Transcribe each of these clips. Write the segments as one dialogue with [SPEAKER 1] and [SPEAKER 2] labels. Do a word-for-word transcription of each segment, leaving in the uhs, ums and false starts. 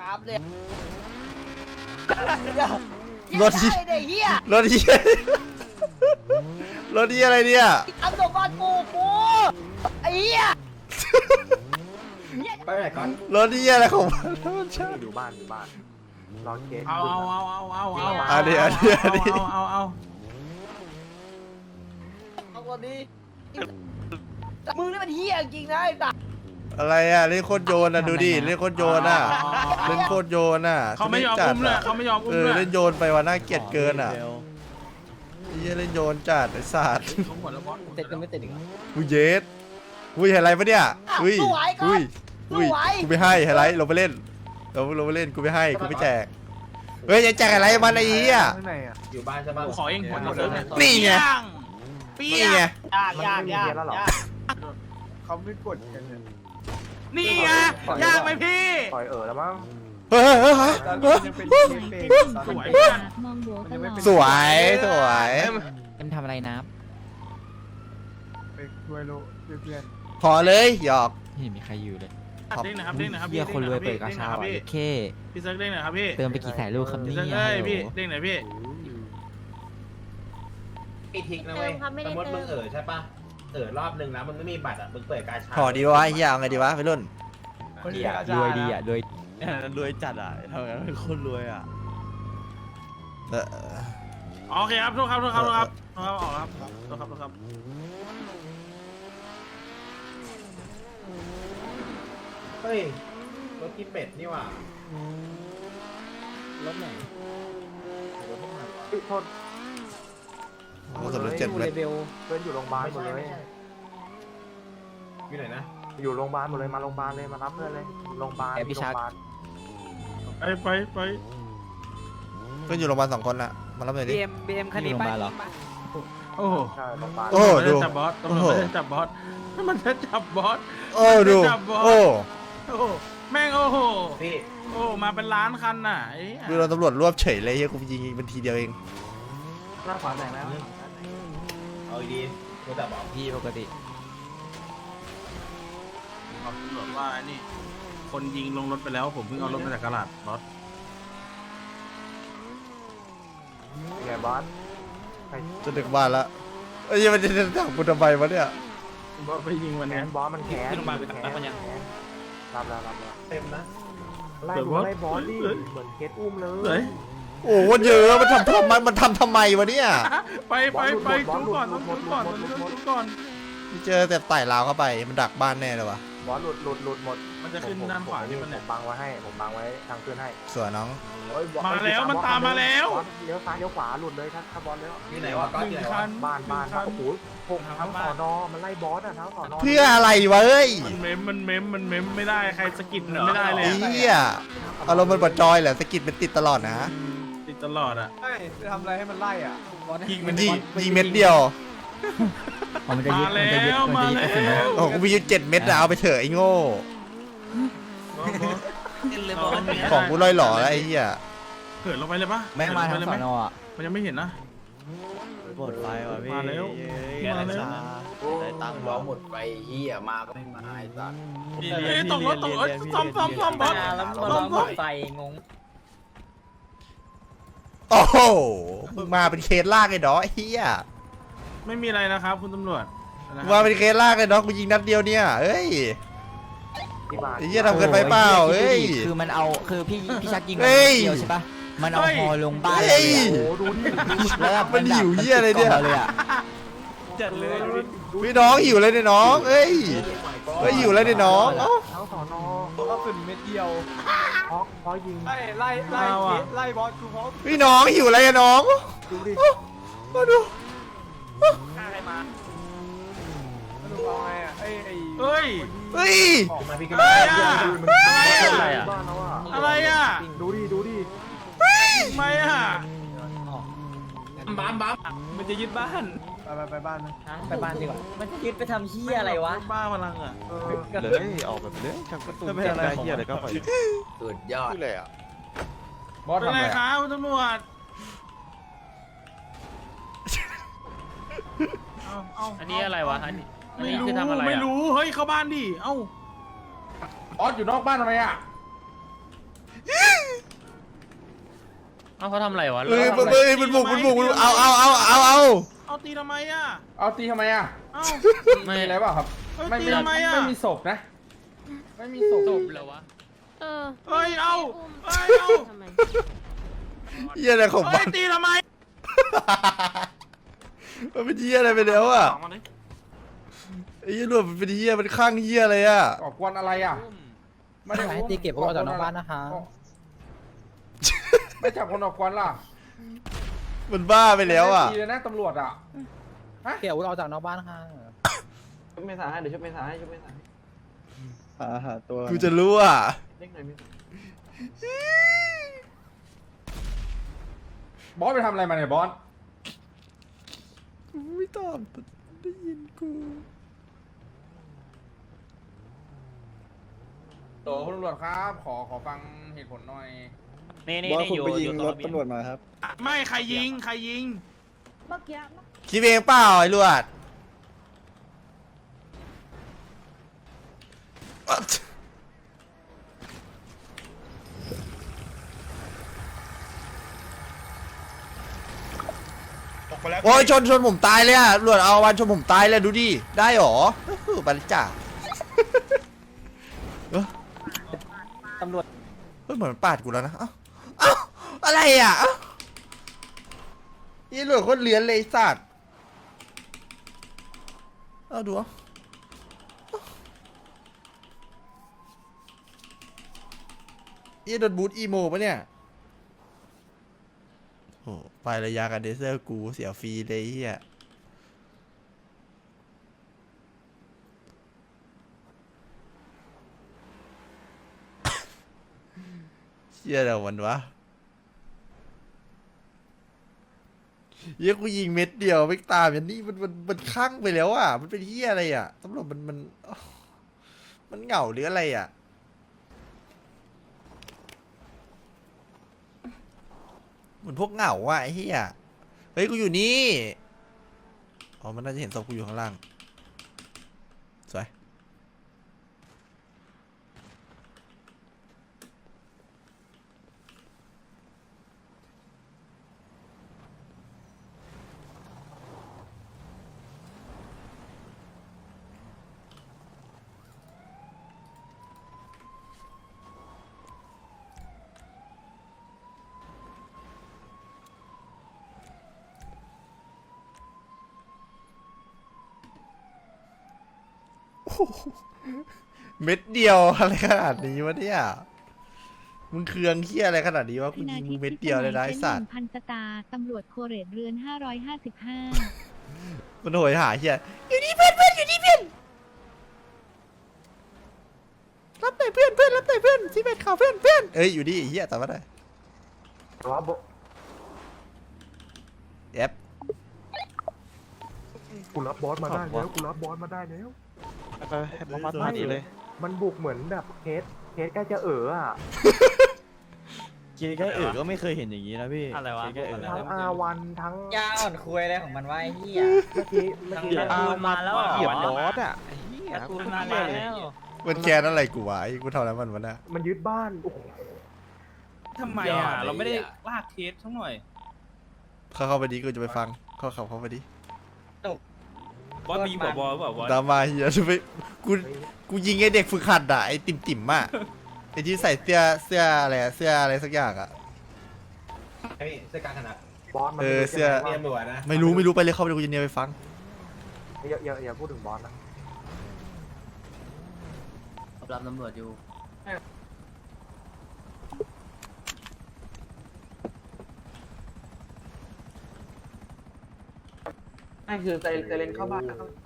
[SPEAKER 1] ครับเลย
[SPEAKER 2] รถที่
[SPEAKER 1] เด็กเฮีย
[SPEAKER 2] รถที่รถที่อะไรเนี่ย
[SPEAKER 1] ทำสมบัติกูกูไอ้เหี้ย
[SPEAKER 3] ไปไหนก่อน
[SPEAKER 2] รถที่อะไรของมันมันใช่
[SPEAKER 4] อยู่บ้านอยู่บ้านรอเคส
[SPEAKER 5] เอาเอาเอาเอาเอาเอา
[SPEAKER 2] อันนี้อันนี้อันนี้
[SPEAKER 5] เอาเอาเอา
[SPEAKER 1] เอาคนนี้มึงนี่มันเฮียจริงนะไอ้สัส
[SPEAKER 2] อะไรอ่ะเล่นโคตรโยนอ่ะดูดิเล่นโคตรโยนอ่ะเล่นโคตรโยนอ่ะ
[SPEAKER 5] เขาไม่ยอมอุ้มเลยเขาไม่ยอมอุ้
[SPEAKER 2] เอ
[SPEAKER 5] ม
[SPEAKER 2] อ
[SPEAKER 5] เลย
[SPEAKER 2] เล่นโยนไปว่าน่าเกลียดเกินอ่ะเฮียเล่นโยนจัดไอ้สัตว์
[SPEAKER 5] เขาหมดแล้วบอส
[SPEAKER 1] ติดกันไม่ติดอีก
[SPEAKER 2] กูเยสอุ้ยอะไรปะเนี่ยอุ้ยอุ้ยอุ้ยกูไม่ให้ไฮไลท์ลงไปเล่นลงลงไปเล่นกูไม่ให้กูไม่แจกเฮ้ยจะแจกอะไรมันไอ้เหี้ย
[SPEAKER 4] ข้างในอ่ะ
[SPEAKER 3] อยู่บ้านใช่ปะ
[SPEAKER 5] กูขอเองหัวหมดเลย
[SPEAKER 2] นี่ไง
[SPEAKER 5] เปี้
[SPEAKER 2] นี่
[SPEAKER 5] ย
[SPEAKER 2] ไง
[SPEAKER 1] ยากยากยากยาก
[SPEAKER 4] เขาไม่กดกันเลย
[SPEAKER 5] นี่ไงยากไหมพี่
[SPEAKER 4] ปล่อยเออแล้วมั้ง
[SPEAKER 2] เฮ้ยเฮ้ยเฮ้ย
[SPEAKER 4] ตอน
[SPEAKER 2] เฮ้ย
[SPEAKER 4] ยังเป็นเคสเป็น
[SPEAKER 5] สวยเพื่อน
[SPEAKER 6] มองหัวตลอด
[SPEAKER 2] สวยสวย
[SPEAKER 7] เอ็มทำอะไรนะ
[SPEAKER 4] ไปช่วยลูกเพื่อน
[SPEAKER 2] ขอเลยหยอก
[SPEAKER 7] ไม่เห็นมีใครอยู่เลย
[SPEAKER 5] เด้งนะครับเด้งนะครับ
[SPEAKER 7] เฮียคนรวยเปิดกาชา
[SPEAKER 5] พี่
[SPEAKER 7] อ่ะเค
[SPEAKER 5] พี่เซิร์ฟเด้งหน่อยครับพี่
[SPEAKER 7] เติมไปกี่แสนลูกครับ
[SPEAKER 5] พี่
[SPEAKER 7] เนี่
[SPEAKER 5] เซิร์ฟ
[SPEAKER 7] ย
[SPEAKER 5] เอ้ย
[SPEAKER 7] ฮัลโหล
[SPEAKER 5] พี่เด้งหน่อยพี่
[SPEAKER 3] ไอทิกนะเว้ยสมมติมึงเออใช่ปะเออรอบนึงนะมึงไม่มีบัตรอ่ะมึงเปิดกาชา
[SPEAKER 2] ขอดีวะเฮียเอาไงดีวะไปรุ่น
[SPEAKER 4] ๆ
[SPEAKER 7] เฮียรวยดีอ่ะรวย
[SPEAKER 8] รวยจัดอ่ะทำงานเป็นคนรวยอ่ะ
[SPEAKER 2] เออ
[SPEAKER 5] โอเคครับโทษครับโทษครับโทษครับโทษครับออกครับโทษครับโทษครับ
[SPEAKER 3] เฮ้ยรถที่เป็ดนี่ว่ะ
[SPEAKER 1] รถไหน
[SPEAKER 4] โทษ
[SPEAKER 2] โอ้สำเร็จเจ็ด
[SPEAKER 1] ดู
[SPEAKER 2] เม็
[SPEAKER 1] เล
[SPEAKER 2] ด
[SPEAKER 1] เวล
[SPEAKER 4] เพื่อนอยู่โรงพยาบาล
[SPEAKER 3] ไม่
[SPEAKER 4] หมด
[SPEAKER 3] ใช่
[SPEAKER 4] เล
[SPEAKER 3] ไม่
[SPEAKER 4] ย
[SPEAKER 3] ใช่อยู่ไหนนะ
[SPEAKER 4] อยู่โรงพยาบาลหมดเลยมาโรงพยาบาลเลยมารับเพื่อนเลยโรงพยาบาลโรงพยาบาล
[SPEAKER 5] ไปไปไป
[SPEAKER 2] เพื่อนอยู่โรงพยาบาลสองคนละมารับหน่อยดิ
[SPEAKER 1] บีเอ็มบีเอ็มคันนี้ไป
[SPEAKER 5] โอ้โห
[SPEAKER 4] ใช่โรงพยาบาล
[SPEAKER 2] โอ้
[SPEAKER 5] ตำรวจ
[SPEAKER 2] ดู
[SPEAKER 5] ไม่ได้จับบอสตำรวจไม่ได้จับบอสมันจะจับบอส
[SPEAKER 2] โอ้ดูโอ้
[SPEAKER 5] โอ้โหแม่งโอ้โห
[SPEAKER 3] พี่
[SPEAKER 5] โอ้มาเป็นล้านคันน่ะไอ้
[SPEAKER 2] ดูเราตำรวจรวบเฉยเลยเฮียกูยิงเป็นทีเดียวเอง
[SPEAKER 4] หน้าขวาแต่งแล้ว
[SPEAKER 3] เอาดีๆมึงจะบอก
[SPEAKER 7] พี่ปกติ
[SPEAKER 5] บอกตำรวจว่านี่ คนยิงลงรถไปแล้วผมเพิ่งเอารถมาจากกระดาษบอส
[SPEAKER 4] ไงบอส
[SPEAKER 2] จะดึกบ้านละเอ้ยมันจะจะจับกูทำไมวะเนี่ย
[SPEAKER 5] บอสไปยิงวัน
[SPEAKER 4] แข
[SPEAKER 5] นี้
[SPEAKER 4] นบอสมันแขน
[SPEAKER 7] ขึ้นโรงพยาบาลไป
[SPEAKER 4] แข
[SPEAKER 7] รับ
[SPEAKER 4] น
[SPEAKER 7] มันยัง
[SPEAKER 4] รับแล้วรับแล้ว
[SPEAKER 3] เต็มนะ
[SPEAKER 4] ไล่ดูไล่บอสดิเหมือนเคสอุ้มเล
[SPEAKER 5] เฮ้
[SPEAKER 4] ย
[SPEAKER 5] ย
[SPEAKER 2] โอ้มันเยอะมันทำทำไมมันทำทำไมวะเนี่ย
[SPEAKER 5] ไปไปไปจุ๊ก่อนต้องจุ๊ก่อนต้องจุ๊ก่อน
[SPEAKER 2] เจอแต่ไต่ราวเข้าไปมันดักบ้านแน่เลยวะ
[SPEAKER 4] บอสหลุดหลุดหลุดหมด
[SPEAKER 5] มันจะขึ้นด้านขวานี่มัน
[SPEAKER 4] ผ
[SPEAKER 5] เนี่ย
[SPEAKER 4] มบังไว้ให้ผมบังไว้ทางขึ้นให้
[SPEAKER 2] สวยน้อง
[SPEAKER 5] มาแล้วมันตามมาแล้ว
[SPEAKER 4] บอสเลี้ยวซ้ายเลี้ยวขวาหลุดเลยถ้าถ้าบอสเลี้ยว
[SPEAKER 3] ที่ไหนวะก็
[SPEAKER 5] หนึ่
[SPEAKER 3] ที่
[SPEAKER 5] ง
[SPEAKER 3] ไหน
[SPEAKER 5] คั
[SPEAKER 3] วะ
[SPEAKER 5] น
[SPEAKER 4] บ้านบ้าน
[SPEAKER 5] หนึ่งคั
[SPEAKER 4] โอ้โหพงทั้งสอนอมันไล่บอสอ่ะทั้งสอนอ
[SPEAKER 2] เพื่ออะไรวะเอ้ย
[SPEAKER 5] มันเมมมันเมมมันเมมไม่ได้ใครสกิดมันไม่ได้เลย
[SPEAKER 2] ไอ้เหี้ยอารมณ์มันบดจอยเหรอสกิดมันติดตลอดนะ
[SPEAKER 5] ติดตลอดอ่ะ
[SPEAKER 4] เฮ้ยไปทำอะไรให้มันไล่อ่ะ
[SPEAKER 2] ยิงมันยิงยิงเม็ดเดียว
[SPEAKER 7] อ๋อมันจะยึด
[SPEAKER 5] มา
[SPEAKER 7] มัน
[SPEAKER 5] แล้
[SPEAKER 7] จะยึด
[SPEAKER 5] ว
[SPEAKER 7] มัน
[SPEAKER 5] มา
[SPEAKER 7] จะยึด
[SPEAKER 5] แล้
[SPEAKER 7] กระสุนนะ
[SPEAKER 5] ว
[SPEAKER 2] โอ้โหกูมีอยู่เจ็ดเม็ดอะเอาไปเถอะไอ้โง่ ของกูลอยหล่อแล้วไอ้เหี้ย
[SPEAKER 5] เหินลงไปเลยปะ
[SPEAKER 7] แม่งมาทาง
[SPEAKER 5] เหิน
[SPEAKER 7] ส
[SPEAKER 5] ล
[SPEAKER 7] อง น
[SPEAKER 5] ไปเลยไหม
[SPEAKER 7] อ่ะ
[SPEAKER 5] มันยังไม่เห็นนะ
[SPEAKER 8] หมดไฟว่ะพี่
[SPEAKER 5] มาแล้ว
[SPEAKER 8] เย้
[SPEAKER 5] มาแล้ว
[SPEAKER 8] ได้ตังค์
[SPEAKER 3] ร้องหมดไปเฮียมาก็ไม่มาไอ้สัส
[SPEAKER 8] พี่
[SPEAKER 5] เอ้
[SPEAKER 8] เรีย
[SPEAKER 5] ย
[SPEAKER 8] น
[SPEAKER 5] ตกรถตกรถซ่อมซ่อมซ่อมบอส
[SPEAKER 1] แล้วมัน
[SPEAKER 5] ซ่อมซ่อม
[SPEAKER 1] ไฟงง
[SPEAKER 2] โอ้โหมึงมาเป็นเคสลากไอ้ดอกไอ้เหี้ย
[SPEAKER 5] ไม่มีอะไรนะครับคุณตำรวจ
[SPEAKER 2] มึงมาเป็นเคสลากไอ้ดอกกูยิงนัดเดียวเนี่ยเอ้ย
[SPEAKER 4] ที่บ้าน
[SPEAKER 2] ไอ้เหี้ยทำเกินไปเปล่าเอ้ย
[SPEAKER 7] คือมันเอาคือพี่พี่ชักยิง
[SPEAKER 2] เฮ้ย
[SPEAKER 7] เดียวใช่ปะมันเอาฮอลงบ้าน
[SPEAKER 2] เฮ้
[SPEAKER 7] เลย ย
[SPEAKER 4] โอ้โหดูดิ
[SPEAKER 7] แล้วแบบ
[SPEAKER 2] มันหิวเหี้ยอะไรเนี่ย
[SPEAKER 7] มัติดกล่องราเลยอ่ะ
[SPEAKER 8] จัดเลยดูดิ
[SPEAKER 2] พี่น้องหิวเลยเนี่ยน้องเอ้ยเฮ้ยหิวเลยเนี่ยน้องเอ้า
[SPEAKER 4] ทั้งสอนอ
[SPEAKER 8] ก็สุดเม็ดเดียว
[SPEAKER 4] เพราะเพราะยิง
[SPEAKER 8] ไล่ไล่ไล่
[SPEAKER 5] เอาอะ
[SPEAKER 8] ไล่บอสกูเพราะ
[SPEAKER 2] พี่น้องหิวอะไรอะน้อง
[SPEAKER 4] ดูดิ
[SPEAKER 2] มาดู
[SPEAKER 8] มาดูเอาไงอ่ะไอ้ไอ้
[SPEAKER 5] เฮ้ย
[SPEAKER 2] เฮ้ย
[SPEAKER 3] ออกมาพี่ก็
[SPEAKER 5] อะไร
[SPEAKER 3] ไม่
[SPEAKER 5] อ่ะ
[SPEAKER 4] อะไรอ่ะบ้านแล้วอ่ะ
[SPEAKER 5] อะไรอ่ะ
[SPEAKER 4] ดูดิดูดิ
[SPEAKER 5] ทำไมอ่ะ
[SPEAKER 3] บ้ามบ้าม
[SPEAKER 8] มันจะยึดบ้าน
[SPEAKER 4] ไปไปไปบ้านนะ
[SPEAKER 1] ไปบ้านดีกว่ามันจะยึดไปทำเฮียอะไรวะ
[SPEAKER 5] บ้าพลังอ่ะ
[SPEAKER 4] เออ
[SPEAKER 8] เลยออกแบบเลยทำกระตุ้นแก้ได้เฮียอะไรก็ปล่อย
[SPEAKER 3] สุดยอด
[SPEAKER 2] เลยอ่ะ
[SPEAKER 5] เป็นไรครับคุณตำรวจเอาเอา
[SPEAKER 9] อันนี้อะไรวะ อันนี้อัน
[SPEAKER 5] ไม่
[SPEAKER 9] นี้
[SPEAKER 5] รู้
[SPEAKER 9] คือทำอะไร
[SPEAKER 5] ไม่
[SPEAKER 9] อ่ะ
[SPEAKER 5] รู้เฮ้ยเข้าบ้านดิเอ้า
[SPEAKER 3] ออสอยู่นอกบ้านทำไมอ่ะ
[SPEAKER 5] เ
[SPEAKER 8] เอาเขาทำอะไรวะ
[SPEAKER 2] เฮ้ยมันเฮ้ยมันบุกมันบุกมันบุกเอาเอาเอาเอาเอา
[SPEAKER 5] เอาตีทำไมอ่ะ
[SPEAKER 4] เอาตีทำไมอ่ะ
[SPEAKER 5] เอ้า
[SPEAKER 4] มีอะไรเปล่าครับ
[SPEAKER 5] เอ้ย
[SPEAKER 4] ไม่
[SPEAKER 5] ตี
[SPEAKER 4] มี
[SPEAKER 5] ทำไมอ่ะ
[SPEAKER 4] ไม่มีศพนะ ไม่มีศพ
[SPEAKER 8] จบแล้ววะ
[SPEAKER 6] เออ
[SPEAKER 5] เฮ้ยเอาเฮ้ยเอา
[SPEAKER 6] ทำไม
[SPEAKER 2] เหี้ยอะไรของมั
[SPEAKER 5] เฮ้ย
[SPEAKER 2] น
[SPEAKER 5] ตีทำไม
[SPEAKER 2] มันเป็นเหี้ยอะไรไปแล้วอ่ะ
[SPEAKER 5] สองมาเลย
[SPEAKER 2] ไอ้เหี้ยหนวดมันเป็นเหี้ยมันข้างเหี้ยอะไรอ่ะ
[SPEAKER 4] ก่อกวนอะไรอ่ะ ไม่ได้
[SPEAKER 7] ให้ตีเก็บพวกเราจากนอกบ้านนะคะ
[SPEAKER 4] ไม่จับคนออกกวนล่ะ
[SPEAKER 2] มันบ้าไปแล้วอ่ะ
[SPEAKER 4] ไม่ได้ตีเลยนะตำรวจอ่ะ
[SPEAKER 7] เก็บอาวุธออกจากนอกบ้านค่ะ
[SPEAKER 1] ชุบเมษาให้เดี๋ยวชุบเมษาให้ชุบเมษาให้
[SPEAKER 9] หาหาตัว
[SPEAKER 2] กูจะรู้อ่ะ
[SPEAKER 1] เล็กหน่อยเมษา
[SPEAKER 4] บอสไปทำอะไรมาเนี่ยบอส
[SPEAKER 2] กูไม่ตอบได้ยินกู
[SPEAKER 4] โตคุณตำรวจครับ ขอขอฟังเหตุผลหน่อย
[SPEAKER 8] นี่นี่
[SPEAKER 9] บอส
[SPEAKER 8] นี่
[SPEAKER 9] คุณ
[SPEAKER 8] อยู่
[SPEAKER 9] ไป
[SPEAKER 8] อ
[SPEAKER 9] ยิง
[SPEAKER 8] ยู่
[SPEAKER 9] รถตำรวจมาครับ
[SPEAKER 5] ไม่ใครยิงใครยิง
[SPEAKER 6] เมื่อกี้
[SPEAKER 2] คิดเองเปล่าไอ้ลวดโอ้ยชนชนผมตายเลยอ่ะลวดเอาวันชนผมตายเลยดูดิได้หรอเออบัลจ่า
[SPEAKER 7] ตำรวจ
[SPEAKER 2] เฮ้ยเหมือนมันปาดกูแล้วนะเอ้าเอ้าอะไรอ่ะเอ้านี่หลวดโคตรเลี้ยนเลยไอ้สัตว์เอาดูเอานี่โดนบูทอีโมปะเนี่ยโอ้ไประยะกันเดเซอร์กูเสียฟรีเลยเฮียเชี่ยอะไรวันวะเฮียกูยิงเม็ดเดียวไม่ตามอย่างนี้มันมันมันข้างไปแล้วอ่ะมันเป็นเฮียอะไรอ่ะตำรวจมันมันอ้าวมันเหงาหรืออะไรอ่ะเหมือนพวกเหงาอ่ะไอ้เฮียเฮ้ยกูอยู่นี่อ๋อมันน่าจะเห็นศพกูอยู่ข้างล่างสวย เม็ดเดียวอะไรขนาดนี้วะเนี่ยมึงเคืองเคี้ยอะไรขนาดนี้วะกูยิงมึงเม็ดเดียวเลยนะไอ้สัตว์
[SPEAKER 6] พันสตาร์ตำรวจโคเรตเรือนห้าร้อยห้าสิบห้า
[SPEAKER 2] มันโหยหาเฮียอยู่นี่เพื่อนเพื่อนอยู่นี่เพื่อนรับหน่อยเพื่อนเพื่อนรับหน่อยเพื่อนซีเมนข่าวเพื่อนเพื่อนเอ้ยอยู่นี่ไอ้เฮียแต่ว่าได้
[SPEAKER 4] ว่าบ
[SPEAKER 2] เอฟ
[SPEAKER 4] กูรับบอสมาได้แล้วกูรับบอสมาได้แล้ว
[SPEAKER 9] ไปให้บอสมาดีเลย
[SPEAKER 4] มันบุกเหมือนแบบเคสเคสใกล้จะเอ๋ออ่ะ
[SPEAKER 7] คิดแค่อื่นก็ไม่เคยเห็นอย่างนี้นะพี่
[SPEAKER 8] อะไรวะ
[SPEAKER 7] คิดแค่อื่น
[SPEAKER 4] ทั้งอาวันทั้ง
[SPEAKER 7] ยาอ่อนคุยอะไรของมันวะไอ้เหี้ย
[SPEAKER 4] เมื่อกี้เมื่อกี้
[SPEAKER 8] ตะกูลมาแล้ว
[SPEAKER 9] เหยียบ
[SPEAKER 8] เหร
[SPEAKER 9] บ
[SPEAKER 8] อ
[SPEAKER 9] อสอ่ะไอ้เหี้ย
[SPEAKER 8] ตะกูลมาแล้ว
[SPEAKER 2] มันแค้นอะไรกูวะไอ้กูทำอะไรมันวะเนี่ย
[SPEAKER 4] มันยึดบ้านโอ้โห
[SPEAKER 5] ทำไมอ่ะ เราไม่ได้ลากเคสทั้งหน่อย
[SPEAKER 2] เข้าเข้าไปดิกูจะไปฟังเข้าขับเข้าไปดิ
[SPEAKER 5] บอสมีหัวบอลเปล่าบอส
[SPEAKER 2] ดราม่าเฮียจะไปกูกูยิงไอ้เด็กฝึกหัดอ่ะไอ้ติ่มติ่มๆอ่ะไอ้ที่ใส่เสื้อเสื้ออะไรอะเสื้ออะไรสักอย่างอ่ะ
[SPEAKER 3] ไอ้เสื้อการถนัด
[SPEAKER 4] บอสมัน
[SPEAKER 2] เออเสื้อ
[SPEAKER 3] เรียนตำรวจนะ
[SPEAKER 2] ไม่รู้ไม่รู้ไปเลยเข้าไปเลยกูจะเนี่ยไปฟัง
[SPEAKER 4] อย่าอย่าอย่าพูดถึงบอสนะ
[SPEAKER 8] รับตำรวจอยู่
[SPEAKER 1] นั่นคือไซเรนเข้าบ้าน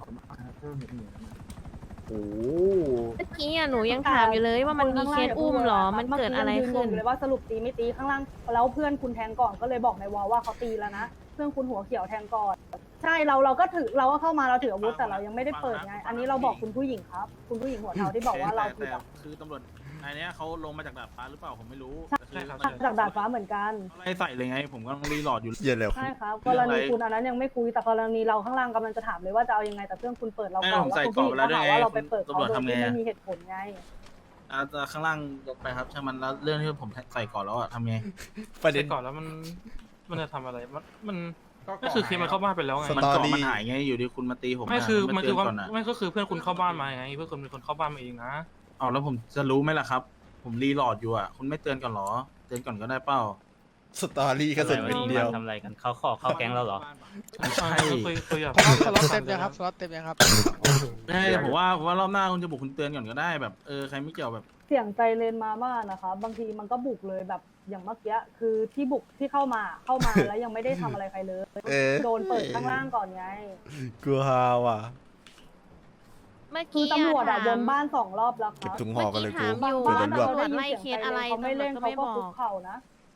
[SPEAKER 4] โอ้
[SPEAKER 6] เมื่อกี้อ่ะหนูยังถามอยู่เลยว่ามันมีเคสอุ้มเหรอ มันเกิดอะไรขึ้น
[SPEAKER 10] เลยว่าสรุปตีไม่ตีข้างล่างแล้วเพื่อนคุณแทงก่อนก็เลยบอกในวอลว่าเขาตีแล้วนะเพื่อนคุณหัวเขียวแทงก่อนใช่เราเราก็ถือเราก็เข้ามาเราถืออาวุธแต่เรายังไม่ได้เปิดไงอันนี้เราบอกคุณผู้หญิงครับ คุณผู้หญิงหัวเทาที่บอกว่าเราผิด
[SPEAKER 5] แต่
[SPEAKER 10] อะ
[SPEAKER 5] คือตำรวจนายเนี้ยเขาลงมาจากดาดฟ้าหรือเปล่าผมไม่รู้
[SPEAKER 10] ใช่ครับจากดาดฟ้าเหมือนกัน
[SPEAKER 5] ไล่ใส่เลยไง ผมก็ต้องรีโหลดอยู่
[SPEAKER 2] เหี้ย็นแล้ว
[SPEAKER 10] ใช่ครับกรณีคุณอันนั้นยังไม่คุยแต่กรณีเราข้างล่างกำลังจะถามเลยว่าจะเอายังไงแต่เพื่อนคุณเปิดเราก่อนแล้วคุณผู้หญิงก็หาว่าเราไปเปิดเขาโดยที่ไม่มีเหตุผลไง
[SPEAKER 5] อ่าแต่ข้างล่างยกไปครับช่างมันแล้วเรื่องที่ผมใส่ก่อนแล้วอะทำไง
[SPEAKER 2] ประเด็น
[SPEAKER 8] ใส่ก่อนแล้วมันมันจะทำอะไรมันมันก็คือเคสมันเข้าบ้านไปแล้วไง
[SPEAKER 2] ส
[SPEAKER 5] มัน
[SPEAKER 2] ตอ
[SPEAKER 5] เกาะ
[SPEAKER 2] รี่
[SPEAKER 5] มันหายไงอยู่ดีคุณมาตีผม
[SPEAKER 8] ไม่คือ
[SPEAKER 5] ะ
[SPEAKER 8] มันคือ
[SPEAKER 5] ไเตื
[SPEAKER 8] ว่า
[SPEAKER 5] ก่อนอะ
[SPEAKER 8] ไม่ก็คือเพื่อนคุณเข้าบ้านมาไงเพื่อนคุณเป็นคนเข้าบ้านมาเองนะ
[SPEAKER 5] เอาแล้วผมจะรู้ไหมล่ะครับ ผมรีโหลดอยู่อ่ะคุณไม่เตือนก่อนเหรอเตือนก่อนก็ได้เปล่า
[SPEAKER 2] สตอรี่ก็สุดเป็นเดียว
[SPEAKER 7] ทำอะไรกันเขาขอเข้าแก๊งเราเหรอ
[SPEAKER 5] ไม่ใช่
[SPEAKER 8] เคยเคยอยาก
[SPEAKER 7] สล็อตเต็มยังครับสล็อตเต็มยังครับ
[SPEAKER 5] ไม่ใช่แต่ผมว่าผมว่ารอบหน้าคุณจะบุกคุณเตือนก่อนก็ได้แบบเออใครไม่เกี่ยวแบบ
[SPEAKER 10] เสียงใจเลนมาบ้านนะคะ บางทีมันก็บุกเลยแบบอย่างเมื่อกี้คือที่บุกที่เข้ามาเข้ามาแล้วยังไม่ได้ทำอะไรใครเลย
[SPEAKER 2] เอ๊ะ
[SPEAKER 10] โดนเปิดข้างล่างก่อนไง
[SPEAKER 2] กูฮาว่ะ
[SPEAKER 6] เมื่อ
[SPEAKER 10] คือ
[SPEAKER 6] กี้
[SPEAKER 10] ตำรวจอะ
[SPEAKER 6] ถ
[SPEAKER 10] ว
[SPEAKER 6] ม
[SPEAKER 10] นบ้านสองรอบแล้วค
[SPEAKER 2] เก็บ
[SPEAKER 10] รับ
[SPEAKER 2] ถุงห่อกันเลยกู
[SPEAKER 6] เมื่อกี้
[SPEAKER 10] บ้า
[SPEAKER 6] ถาม
[SPEAKER 10] น
[SPEAKER 6] อยู่
[SPEAKER 2] เดี๋ยวโดนรวบ
[SPEAKER 10] เราได้ยิน
[SPEAKER 6] ไล่
[SPEAKER 10] เสียง
[SPEAKER 6] เคส
[SPEAKER 10] ใจ
[SPEAKER 6] อะไร
[SPEAKER 10] เขาไม่เล่น
[SPEAKER 6] ตำรวจก็
[SPEAKER 10] เขา
[SPEAKER 6] ไม่
[SPEAKER 10] ก็
[SPEAKER 6] บ
[SPEAKER 10] คุ
[SPEAKER 6] อก
[SPEAKER 10] กเข่านะ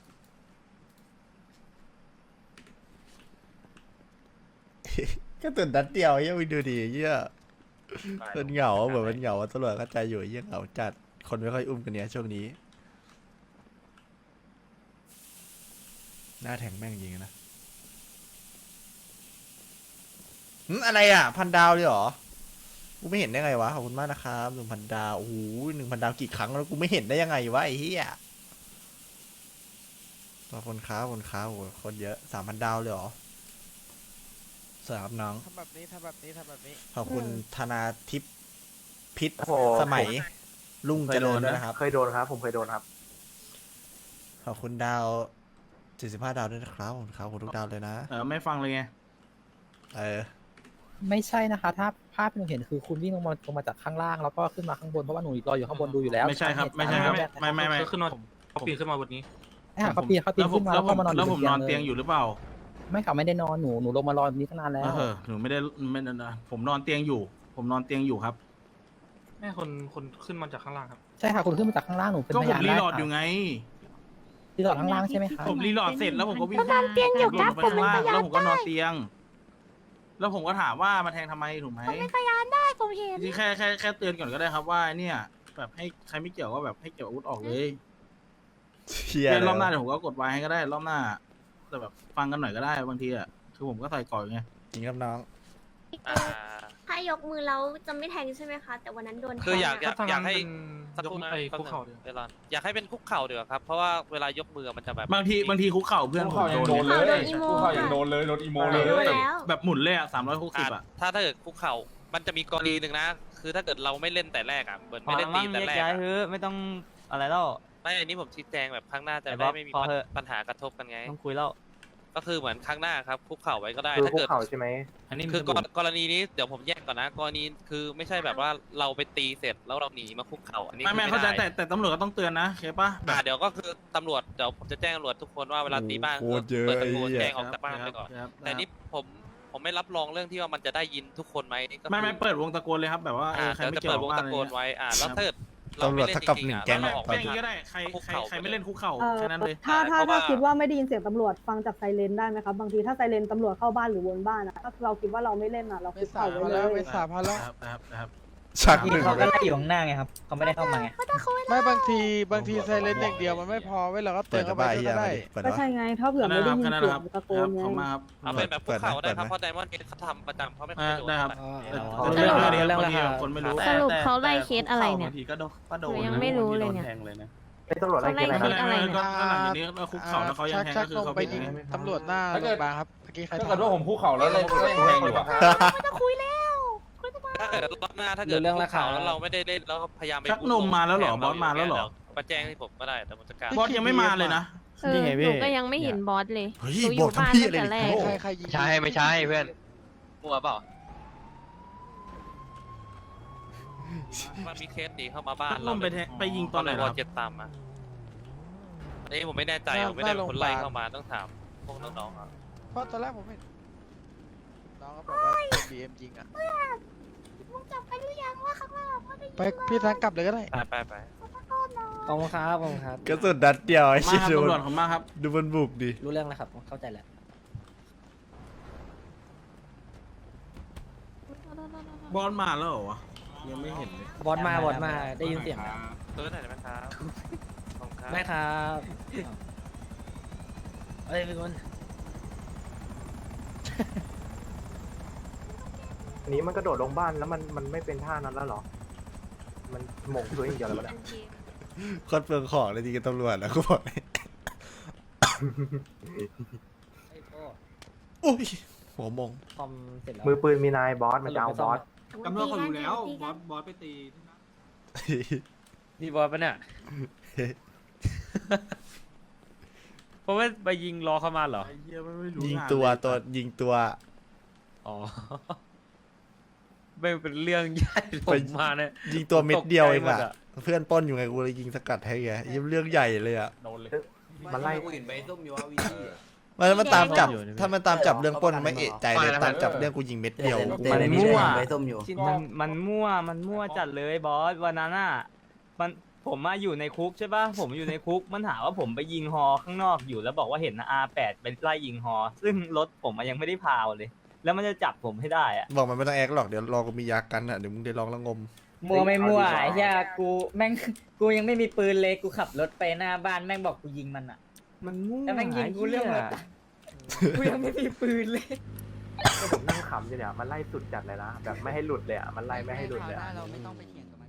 [SPEAKER 2] ก็ตื่นนัดเดียวเฮียมึงดูดิเฮียมันเหงาเหมือนมันเหงาตำรวจเข้าใจอยู่เฮียเหงาจัดคนไม่ค่อยอุ้มกันเนี้ยช่วงนี้หน้าแทงแม่งจริงนะหึอะไรอ่ะพันดาวเลยเหรอกูไม่เห็นได้ไงวะขอบคุณมากนะครับหนึ่งพันดาวโอ้โหหนึ่งพันดาวกี่ครั้งแล้วกูไม่เห็นได้ยังไงวะไอ้เหี้ยขอบคุณครับขอบคุณครับโอ้โหคนเยอะสามพันดาวเลยเหรอสวัสดีครับน้อง
[SPEAKER 7] ทำแบบนี้ทำแบบนี้ทำแบบนี้
[SPEAKER 2] ขอบคุณธนาทิพย์พิษ
[SPEAKER 4] โอ้โห
[SPEAKER 2] สมัยลุงเจริญด้วยนะครับ
[SPEAKER 4] เคยโดนครับ ผมเคยโดนครับ
[SPEAKER 2] ขอบคุณดาวเจ็ดสิบห้าดาวด้วยนะครับขอบคุณครับขอบคุณทุกดาวเลยนะ
[SPEAKER 5] เออไม่ฟังเลยไง
[SPEAKER 2] เออ
[SPEAKER 7] ไม่ใช่นะคะ ถ้าภาพที่หนูเห็นคือคุณวิ่งลงมาลงมาจากข้างล่างแล้วก็ขึ้นมาข้างบนเพราะว่าหนูรออยู่ข้างบนดูอยู่แล้ว
[SPEAKER 5] ไม่ใช่ครับไม่ใช่ครับไม่ไม่ไม่
[SPEAKER 8] ก็ขึ้นมาเขาปีนขึ้นมาบนนี้
[SPEAKER 7] เขาปีนเขาปีน
[SPEAKER 5] แล้วผม
[SPEAKER 7] ขึ้นมา
[SPEAKER 5] แล้
[SPEAKER 7] แล้ว ว
[SPEAKER 5] ผม
[SPEAKER 7] ก็มานอน
[SPEAKER 5] แล้วผมนอน
[SPEAKER 7] ล
[SPEAKER 5] เตียงอยู่หรือเปล่า
[SPEAKER 7] ไม่ค่ะไม่ได้นอนหนูหนูลงมารอแบบนี้ตั้งนานแล้ว
[SPEAKER 5] เออหนูไม่ได้ไม่ได้นะผมนอนเตียงอยู่ ผมนอนเตียงอยู่ครับ
[SPEAKER 8] แม่คนคนขึ้นมาจากข้างล่างครับ
[SPEAKER 7] ใช่ค่ะคุณขึ้นมาจากข้างล่างหนูเป็น
[SPEAKER 5] ก็
[SPEAKER 7] พ
[SPEAKER 5] ผม
[SPEAKER 7] ยาน
[SPEAKER 5] รี
[SPEAKER 7] ได้
[SPEAKER 5] โหลด
[SPEAKER 7] ค่ะ
[SPEAKER 5] อยู่ไง
[SPEAKER 7] รีโหลดข้างล่างใช่ไหมคะ
[SPEAKER 5] ผมรีโหลดเสร็จแล้วผมก็วิ่ง
[SPEAKER 6] ก็นอนเตียงอยู่ครับ
[SPEAKER 5] ลงไปข้างล่างแล้วผมก็นอนเตียง แล้วผมก็ถามว่ามาแทงทำไมถูกไหม
[SPEAKER 6] ผมเป็นพยานได้ผมเห็น
[SPEAKER 5] จริงๆแค่แค่แค่เตือนก่อนก็ได้ครับว่าเนี่ยแบบให้ใครไม่เกี่ยวก็แบบให้เกี่ยวอาวุธออกเลย
[SPEAKER 2] เชีย
[SPEAKER 5] เดี๋ยวรอบหน้า
[SPEAKER 2] เล
[SPEAKER 5] เดี๋
[SPEAKER 2] ย
[SPEAKER 5] ยวผมก็กดไว้ให้ก็ได้รอบหน้า แต่แบบฟังกันหน่อยก็ได้บางทีอ่ะคือผมก็ใส่ก่อนไง
[SPEAKER 2] จริงครับน้อง
[SPEAKER 11] ถ้ายกมือแล้วจะไม่แทงใช่ไหมคะ แต่วันนั้นโดน
[SPEAKER 12] คืออยากอยาก
[SPEAKER 8] ถ้ทง
[SPEAKER 12] อยากให้
[SPEAKER 8] เป็น
[SPEAKER 12] สักครู่นะ
[SPEAKER 8] ไอ้
[SPEAKER 12] แป๊บ
[SPEAKER 8] คุก
[SPEAKER 12] นึง
[SPEAKER 8] เข่าเดียว
[SPEAKER 12] เวลาอยากให้เป็นคุกเข่าเดี๋ยวาครับ เพราะว่าเวลายกมือมันจะแบบ
[SPEAKER 5] บางทีบางทีคุกเข่าเพื่อนผมโดน
[SPEAKER 11] โดน
[SPEAKER 5] เลย
[SPEAKER 11] โดนอีโมค่ะ
[SPEAKER 8] โดนเลยโดนอีโม
[SPEAKER 11] โดนแล้ว
[SPEAKER 5] แบบหมุนเลยอ่ะสามร้อยหกสิบ
[SPEAKER 12] อ่ะ
[SPEAKER 5] อ่ะ
[SPEAKER 12] ถ้าถ้าเกิดคุกเข่ามันจะมีกรณีหนึ่งนะ คือถ้าเกิดเราไม่เล่นแต่แรกอ่ะเหมือนไม่ได้ตีแต่แรกอะ
[SPEAKER 7] ไม่ต้องอะไรแล้ว
[SPEAKER 12] ไม่อันนี้ผมชี้แจงแบบครั้งหน้าจะ
[SPEAKER 7] ไอ้บ๊
[SPEAKER 12] ได้
[SPEAKER 7] อบ
[SPEAKER 12] ไม่มี
[SPEAKER 7] พอเถอะ
[SPEAKER 12] ปัญหากระทบกันไง
[SPEAKER 7] ต้องคุยแล้ว
[SPEAKER 12] ก็คือเหมือนครั้งหน้าครับคุกเข่าไว้ก็ได้
[SPEAKER 4] คือ
[SPEAKER 12] ถ้า
[SPEAKER 4] คุก
[SPEAKER 12] เกิด
[SPEAKER 4] เข่าใช่ไหม
[SPEAKER 5] อันนี้
[SPEAKER 12] คื
[SPEAKER 5] คือ อก
[SPEAKER 12] รกรณีนี้เดี๋ยวผมแยกก่อนนะกรณีคือไม่ใช่แบบว่าเราไปตีเสร็จแล้วเราหนีมาคุกเข่าอันนี้
[SPEAKER 5] ไม่ไม่
[SPEAKER 12] คือ
[SPEAKER 5] เข้าใจ
[SPEAKER 12] ด้
[SPEAKER 5] แต่แต่ตำรวจก็ต้องเตือนนะเข้าปะแบ
[SPEAKER 12] อ่า
[SPEAKER 5] บ
[SPEAKER 12] เดี๋ยวก็คือตำรวจเดี๋ยวผมจะแจ้งตำรวจทุกคนว่าเวลาตีบ้าน
[SPEAKER 2] โอ้โหโคตรเยอะ
[SPEAKER 12] เปิดตะโกน
[SPEAKER 2] ไอ้เหี้ย
[SPEAKER 12] แจ้งออกจากบ้านไปก่อน
[SPEAKER 5] ครับ
[SPEAKER 12] แต่นี่ผมผมไม่รับรองเรื่องที่ว่ามันจะได้ยินทุกคนไหมก็คือ
[SPEAKER 5] ไม่ไม่เปิดวงตะโกนเลยครับแบบว่าเอ
[SPEAKER 12] อ่า
[SPEAKER 5] อใคร
[SPEAKER 12] เดี๋ยว
[SPEAKER 5] ไม่
[SPEAKER 12] จะ
[SPEAKER 5] เกี่ย
[SPEAKER 12] เปิ
[SPEAKER 5] ว
[SPEAKER 12] ดวง
[SPEAKER 5] บ้าน
[SPEAKER 12] ตะ
[SPEAKER 5] อะไร
[SPEAKER 12] โกน
[SPEAKER 5] เงี้ย
[SPEAKER 12] ไว้อ่าแล้วถ้าเกิดเรา
[SPEAKER 2] ตำรว
[SPEAKER 12] ไม่
[SPEAKER 2] จ
[SPEAKER 12] เล่น
[SPEAKER 2] เท่า
[SPEAKER 12] จ
[SPEAKER 2] กับ
[SPEAKER 12] ริง
[SPEAKER 2] หนึ่
[SPEAKER 12] ๆ
[SPEAKER 2] ง
[SPEAKER 12] อ่ะ
[SPEAKER 2] แก๊ง
[SPEAKER 12] เรา
[SPEAKER 2] อะ
[SPEAKER 12] ออก
[SPEAKER 2] ตอน
[SPEAKER 5] แค่
[SPEAKER 2] นี้
[SPEAKER 5] นี้ก็ได้ใครใครใครไม่เล่นคุกเข่า
[SPEAKER 10] เออ
[SPEAKER 5] แค่นั้นเลย
[SPEAKER 10] ถ้าถ้า
[SPEAKER 12] เพราะว่า
[SPEAKER 10] ถ้าคิดว่าไม่ได้ยินเสียงตำรวจฟังจากไซเรนได้ไหมครับบางทีถ้าไซเรนตำรวจเข้าบ้านหรือวนบ้านอะถ้าเราคิดว่าเราไม่เล่นอะเราคุกเข่าไว้เลย
[SPEAKER 7] สามพันแล้ว
[SPEAKER 5] ครับครับครับ
[SPEAKER 2] ชักหนึ่ง
[SPEAKER 7] เขาก็ไล่อยู่ข้างหน้าไงครับเขาไม่ได้เข้ามาไง
[SPEAKER 9] ไม่บางทีบางทีไซเลนอย่างเดียวมันไม่พอเว้ยเราก็เตื
[SPEAKER 2] เปิ
[SPEAKER 9] อ
[SPEAKER 2] ด
[SPEAKER 9] น
[SPEAKER 2] กระ
[SPEAKER 9] เข้าไป
[SPEAKER 2] บาย
[SPEAKER 9] ด้
[SPEAKER 2] เฮี
[SPEAKER 9] วย ยก็ได้
[SPEAKER 2] เปิด
[SPEAKER 10] ก็
[SPEAKER 2] วะ
[SPEAKER 10] ใช่ไงถ้าเผื่อไม่ได้ยิน
[SPEAKER 5] แค่นั้น
[SPEAKER 10] เสีย
[SPEAKER 5] ครั
[SPEAKER 10] ง
[SPEAKER 5] บ
[SPEAKER 10] ตะโกนไง
[SPEAKER 5] ขอบมาครับ
[SPEAKER 12] เอาเป็นแบบคุกเข่าได้ครับ
[SPEAKER 2] เปิ
[SPEAKER 12] เพ
[SPEAKER 2] ดไหม
[SPEAKER 12] ราะไดมอนด์เฮดเขาทำประจำเขาไม่เค
[SPEAKER 5] อ่าย
[SPEAKER 12] โดน
[SPEAKER 5] ได้ครับ
[SPEAKER 9] อ๋อ
[SPEAKER 5] แต่
[SPEAKER 9] อ๋อ
[SPEAKER 5] เรื่อง
[SPEAKER 6] สรุป
[SPEAKER 5] เรื่องบางทีคนไม่รู้
[SPEAKER 6] สรุปเขาไล่เคสอะไรเนี่ย
[SPEAKER 5] บางทีก็โดนก็โด
[SPEAKER 6] ห
[SPEAKER 5] น
[SPEAKER 6] นูยังไม่รู้เลยเนี่ย
[SPEAKER 4] เป็นตำรวจอะไรกัน
[SPEAKER 6] เขา
[SPEAKER 4] นะ
[SPEAKER 6] ไล่
[SPEAKER 5] ไม่ไม่ไม่ก็หลังจากนี้ก็คุกเข่าแล้วเขายังแทง
[SPEAKER 9] ชั
[SPEAKER 5] ก็
[SPEAKER 9] ก
[SPEAKER 5] คื
[SPEAKER 9] น
[SPEAKER 5] อ
[SPEAKER 9] ม
[SPEAKER 5] เขา
[SPEAKER 9] ไป
[SPEAKER 5] เป็น
[SPEAKER 9] ยิง
[SPEAKER 5] อย่างนี้
[SPEAKER 9] ตำรวจหน้าโรงพยาบาลครับเมื่อกี้ใคร
[SPEAKER 8] ถ้า
[SPEAKER 9] ทำ
[SPEAKER 8] เกิดว่าผมคู่เข่าแล้วเลยแทงอยู่อะ
[SPEAKER 12] ถ้าเกิดรอบหน้าถ้าเกิด
[SPEAKER 7] เรื่องราคา
[SPEAKER 12] คุกเข่แล้วเราไม่ได้เล่นแล้วก็พยายามไป
[SPEAKER 5] ชักนมมาแล้วเหรอ
[SPEAKER 12] แทง
[SPEAKER 5] บอสมาแล้วเหรอ
[SPEAKER 12] ดี๋ยมาแจ้งให้ผมก็ได้แต่ผมจะกล้าร
[SPEAKER 5] บอสยังไม่มาเลยนะ
[SPEAKER 6] เออหนูก็ยังไม่เห็นบอสเลย
[SPEAKER 2] เฮ้ย
[SPEAKER 6] หนูอบ
[SPEAKER 2] อยู่ ก
[SPEAKER 6] บ้าน
[SPEAKER 2] ทำพี่
[SPEAKER 6] ตั้ง
[SPEAKER 2] อะไร
[SPEAKER 6] แต่
[SPEAKER 2] เนี่ย
[SPEAKER 6] แรก
[SPEAKER 9] ใครใครยิง
[SPEAKER 12] ใช่ไม่ใช่เพื่อนมัวเปล่ามันมีเคสหนีเข้ามาบ้าน
[SPEAKER 5] ชักนมไปแทงไปยิงตอนไหน
[SPEAKER 12] ว
[SPEAKER 5] ค
[SPEAKER 12] อ
[SPEAKER 5] รับ
[SPEAKER 12] เจ็ดตามมาอันนี้ผมไม่แน่ใจผมไม่ได้เป็นคนไล่เข้ามาต้องถามพวกน้องๆอ่ะ
[SPEAKER 9] เพราะตอนแรกผมเห็นน้องก็บอกว่าบีเอ็มยิงอ่ะ
[SPEAKER 11] มึงจับไปหรือยังว่าข้างล่างว่าได้ยิน
[SPEAKER 9] ไปพี่ทางกลับเลยก็ได้
[SPEAKER 12] ไปไปไป
[SPEAKER 7] ขอบคุณครับขอบคุณครับ
[SPEAKER 2] กระสุนนัดเดียวไอ้
[SPEAKER 5] มา
[SPEAKER 2] ชิ
[SPEAKER 5] ครับ
[SPEAKER 2] ดู
[SPEAKER 5] ตำรวจผมมาครับ
[SPEAKER 2] ดูมันบุกดิ
[SPEAKER 7] รู้เรื่องแล้วครับเข้าใจแล้ว
[SPEAKER 5] บอสมาแล้วเหรอวะยังไม่เห็นเลย
[SPEAKER 7] บอสมาบอสมาได้ยินเสียง
[SPEAKER 12] ตัวไหนอยได้ไหมครับขอบคุณครับ
[SPEAKER 7] ได้ครับเอ้ยพี่คน
[SPEAKER 4] อันนี้มันกระโดดลงบ้านแล้วมันมันไม่เป็นท่านั้นแล้วเหรอมันหม่งตัวอย่างเดียวเลยมัน
[SPEAKER 2] โคตรเปลืองของเลยดีกับตำรวจนะกูบอกเลยอุ้ยหัวมง
[SPEAKER 7] คอมเสร็จแล้ว
[SPEAKER 4] มือปืนมีนายบอสมันจะเอาบอส
[SPEAKER 5] กำลังเขาอยู่แล้วบอสบอสไปตี
[SPEAKER 8] นี่บอสปะเนี่ยเพราะว่าไปยิงรอเข้ามาเหรอ
[SPEAKER 5] ไอ้เหี้ยไม่ไม่รู้
[SPEAKER 2] ยิง
[SPEAKER 5] งาน
[SPEAKER 2] ตัว
[SPEAKER 5] เลย
[SPEAKER 2] ตัวยิงตัว
[SPEAKER 8] อ๋อไม่เป็นเรื่องใหญ่ผมมาเนี่ย
[SPEAKER 2] ยิงตัวเม็ดเดียวเอง
[SPEAKER 8] ตกใจหม
[SPEAKER 2] อะ
[SPEAKER 8] ดอะ
[SPEAKER 2] เพื่อนปล้นอยู่ไงกูเลยยิงสกัดให้ไงยิ่งเรื่องใหญ่เลยอะ
[SPEAKER 8] โดนเลย
[SPEAKER 4] มันไล่
[SPEAKER 1] กูเห็นใบส้มอยู่ว่าวีดี
[SPEAKER 2] มันมันตามจับ
[SPEAKER 8] อยู่นี่
[SPEAKER 2] ถ้ามันตามจับเรื่องปล้นไม่เอะใจเลยตามจับเรื่องกูยิงเม็ดเดียวกู
[SPEAKER 1] มัน
[SPEAKER 2] ไม่
[SPEAKER 1] มั่ว
[SPEAKER 2] ได้
[SPEAKER 1] ใบส้มอยู่
[SPEAKER 8] มันมันมั่วมันมั่วจัดเลยบอสวันนั้นอ่ะมันผมมาอยู่ในคุกใช่ป่ะผมอยู่ในคุกมันหาว่าผมไปยิงฮอข้างนอกอยู่แล้วบอกว่าเห็นอาร์แปดไปไล่ยิงฮอซึ่งรถผมมันยังไม่ได้พาวเลย แล้วมันจะจับผมให้ได้อ่ะ
[SPEAKER 2] บอกมันไม่ต้องแอคหรอกเดี๋ยวรอกูมียากันอะเดี๋ยวมึงได้ลองละงม
[SPEAKER 7] มัวไม่มัวไอ้เหี้ยกูแม่งกูยังไม่มีปืนเลยกูขับรถไปหน้าบ้านแม่งบอกกูยิงมันอ่ะ
[SPEAKER 8] มันมั่ว
[SPEAKER 7] แล้วแม่งยิงกูเรื่องอะไรกูยังไม่มีปืนเลย
[SPEAKER 4] ผมนั่งขำอยู่เนี่ยมันไล่สุดจัดเลยนะแบบไม่ให้หลุดเลยอ่ะมันไล่ไม่ให้หลุดเลยอะ
[SPEAKER 9] เราไม่ต้องไปเถียงกับ